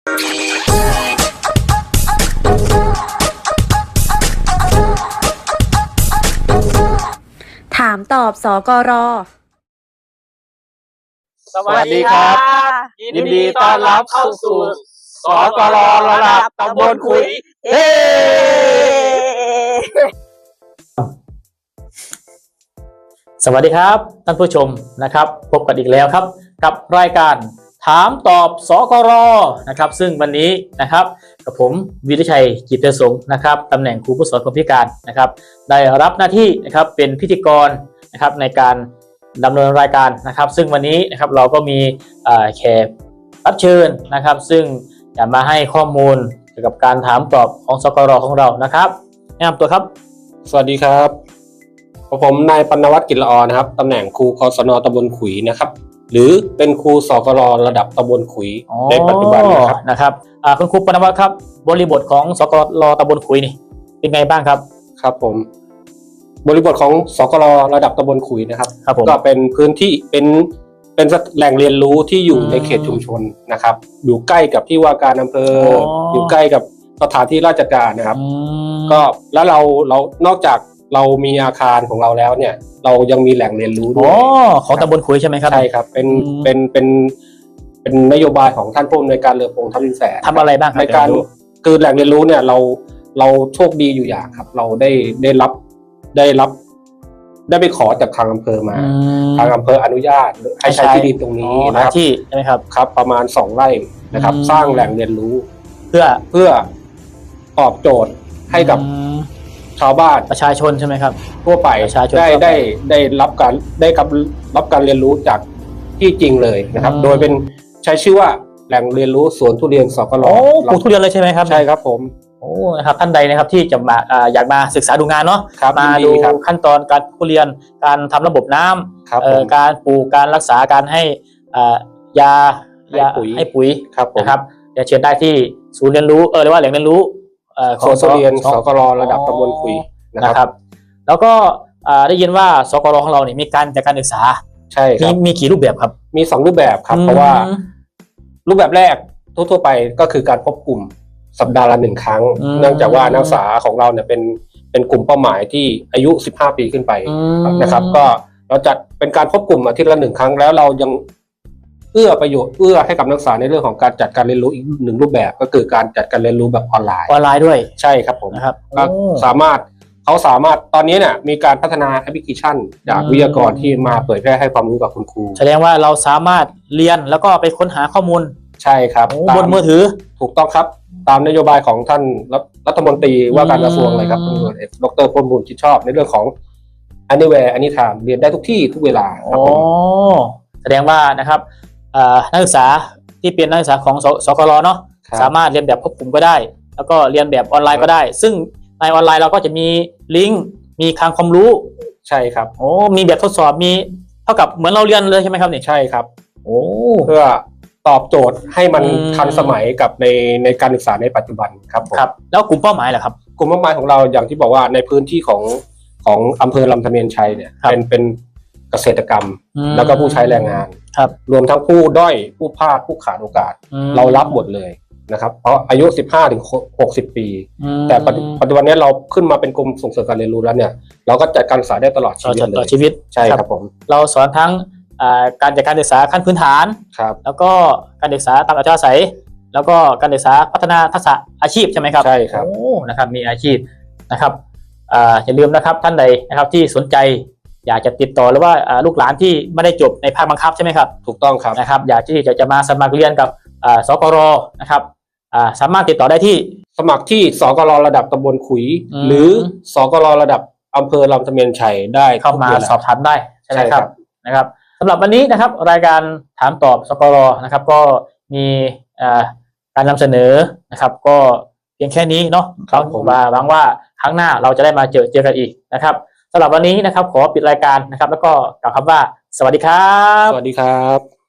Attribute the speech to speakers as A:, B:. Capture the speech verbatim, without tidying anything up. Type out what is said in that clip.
A: ถามตอบสกร.
B: สวัสดีครับยินดีต้อนรับเข้าสู่สกร.ระดับตำบลขุยเฮ้สวัสดีครับท่านผู้ชมนะครับพบกันอีกแล้วครับกับรายการถามตอบสกร.นะครับซึ่งวันนี้นะครับกับผมวิริชัยจิตเตสงนะครับตำแหน่งครูผู้สอนคนพิการนะครับได้รับหน้าที่นะครับเป็นพิธีกรนะครับในการดำเนินรายการนะครับซึ่งวันนี้นะครับเราก็มีแขกรับเชิญนะครับซึ่งจะมาให้ข้อมูลเกี่ยวกับการถามตอบของสกร.ของเรานะครับแนะนำตัวครับ
C: สวัสดีครับผมนายปณวัฒน์กิจละออนะครับตำแหน่งครูกศน.ตำบลขุยนะครับหรือเป็นครูสกร.ระดับตำบลขุยในปัจจุบันนะครับ
B: นะครับคุณครูปณวัฒน์ครับบริบทของสกร.ตำบลขุยนี่เป็นไงบ้างครับ
C: ครับผมบริบทของสกร.ระดับตำบลขุยนะครับ
B: ครับผม
C: ก็เป็นพื้นที่เป็นเป็นแหล่งเรียนรู้ที่อยู่ในเขตชุมชนนะครับอยู่ใกล้กับที่ว่าการอำเภอ อ, อยู่ใกล้กับสถานที่ราชการนะครับก็แล้วเราเรานอกจากเรามีอาคารของเราแล้วเนี่ยเรายังมีแหล่งเรียนรู้ด้วย
B: ของตำบลขุยใช่ไหมครับ
C: ใช่ครับเป็นเป็นเป็นเป็นนโยบายของท่านผู้อำนวยการเรือพงษ์ทัพทิมแสน
B: ทำอะไรบ้าง
C: ในการคือแหล่งเรียนรู้เนี่ยเราเราโชคดีอยู่อย่างครับเราได้ได้รับได้รับได้ไปขอจากทางอำเภอมาทางอำเภออนุญาตให้ใช้ที่ดินตรงนี้นะครับ
B: ที่ใช่ไหมครับ
C: ครับประมาณสองไร่นะครับสร้างแหล่งเรียนรู้
B: เพื่อ
C: เพื่อตอบโจทย์ให้กับชาวบ้าน
B: ประชาชนใช่ไหมครับ
C: ทั่วไปได้ได้ได้รับการได้รับรับการเรียนรู้จากที่จริงเลยนะครับโดยเป็นใช้ชื่อว่าแหล่งเรียนรู้สวนทุเรียนสกร.
B: ปลูกทุเรียนเลยใช่ไหมครับ
C: ใช่ครับผม
B: โอ้นะครับท่านใดนะครับที่จะมาอยากมาศึกษาดูงานเนาะมาดูขั้นตอนการทุเรียนการทำระบบน้ำการปลูกการรักษาการให้ยายาให้ปุ๋ยนะครับเดี๋ยวเชิญได้ที่ศูนย์เรียนรู้เออเรียกว่าแหล่งเรียนรู้
C: ของทุเรียนสกร.ระดับตำบลขุย
B: นะครับแล้วก็ได้ยินว่าสกร.ของเราเนี่ยมีการจัดการศึกษา
C: ใช่ครับ
B: มีกี่รูปแบบครับ
C: มีสองรูปแบบครับเพราะว่ารูปแบบแรกทั่วๆไปก็คือการพบกลุ่มสัปดาห์ละหนึ่งครั้งเนื่องจากว่านักศึกษาของเราเนี่ยเป็นเป็นกลุ่มเป้าหมายที่อายุสิบห้าปีขึ้นไปนะครับก็เราจัดเป็นการพบกลุ่มอาทิตย์ละหนึ่งครั้งแล้วเรายังเอื้อประโยชน์เอื้อให้กับนักศึกษาในเรื่องของการจัดการเรียนรู้อีกหนึ่งรูปแบบก็คือการจัดการเรียนรู้แบบออนไลน์
B: ออนไลน์ด้วย
C: ใช่ครับผม
B: นะครับ
C: ก็สามารถเขาสามารถตอนนี้เนี่ยมีการพัฒนาแอปพลิเคชันจากวิทยากรที่มาเผยแพร่ให้ความรู้กับคุณครู
B: แสดงว่าเราสามารถเรียนแล้วก็ไปค้นหาข้อมูล
C: ใช่ครับ
B: บนมือถือ
C: ถูกต้องครับตามนโยบายของท่านรัฐมนตรีว่าการกระทรวงเลยครับดร.พลบุญชิดชอบในเรื่องของ anywhere anytime เรียนได้ทุกที่ทุกเวลาครับผม
B: แสดงว่านะครับนักศึกษาที่เป็นนักศึกษาของสกร.เนาะสามารถเรียนแบบควบคุมก็ได้แล้วก็เรียนแบบออนไลน์ก็ได้ซึ่งในออนไลน์เราก็จะมีลิงก์มีคลังความรู้
C: ใช่ครับ
B: โอ้มีแบบทดสอบมีเท่ากับเหมือนเราเรียนเลยใช่ไหมครับเนี่ย
C: ใช่ครับ
B: โอ้
C: เพื่อตอบโจทย์ให้มันทันสมัยกับในในการศึกษาในปัจจุบันครับ
B: ครับแล้วกลุ่มเป้าหมายล่ะครับ
C: กลุ่มเป้าหมายของเราอย่างที่บอกว่าในพื้นที่ของของอำเภอลำธเมียนชัยเนี่ยเป็นเป็นเกษตรกรรมแล้วก็ผู้ใช้แรงงาน
B: ครับ
C: รวมทั้งผู้ด้อยผู้พลาดผู้ขาดโอกาสเรารับหมดเลยนะครับเพราะอายุสิบห้าถึงหกสิบปีแต่ปัจจุบันนี้เราขึ้นมาเป็นกรมส่งเสริมการเรียนรู้แล้วเนี่ยเราก็จัดการศึกษาได้ตลอดชีวิตเลย
B: ชีวิต
C: ใช่ครับผม
B: เราสอนทั้งการจัดการศึกษาขั้นพื้นฐานแล้วก็การศึกษาตามอัธยาศัยแล้วก็การศึกษาพัฒนาทักษะอาชีพใช่ไหมครับ
C: ใช่ครับ
B: โอ้นะครับมีอาชีพนะครับอย่าลืมนะครับท่านใดนะครับที่สนใจอยากจะติดต่อหรือว่าลูกหลานที่ไม่ได้จบในภาคบังคับใช่ไหมครับ
C: ถูกต้องครับ
B: นะครับอยากที่จะจะมาสมัครเรียนกับสกร.นะครับสามารถติดต่อได้ที่
C: สมัครที่สกร.ระดับตำบลขุยหรือสกร.ระดับอำเภอลำธเมียนชัยได้
B: เข้ามาสอบถามได้ใช่ไหมครับนะครับสำหรับวันนี้นะครับรายการถามตอบสกร.นะครับก็มีการนำเสนอนะครับก็เพียงแค่นี้เนาะครับผมหวังว่าครั้งหน้าเราจะได้มาเจอเจอกันอีกนะครับสำหรับวันนี้นะครับขอปิดรายการนะครับแล้วก็กล่าวคำว่าสวัสดีครับ
C: สวัสดีครับ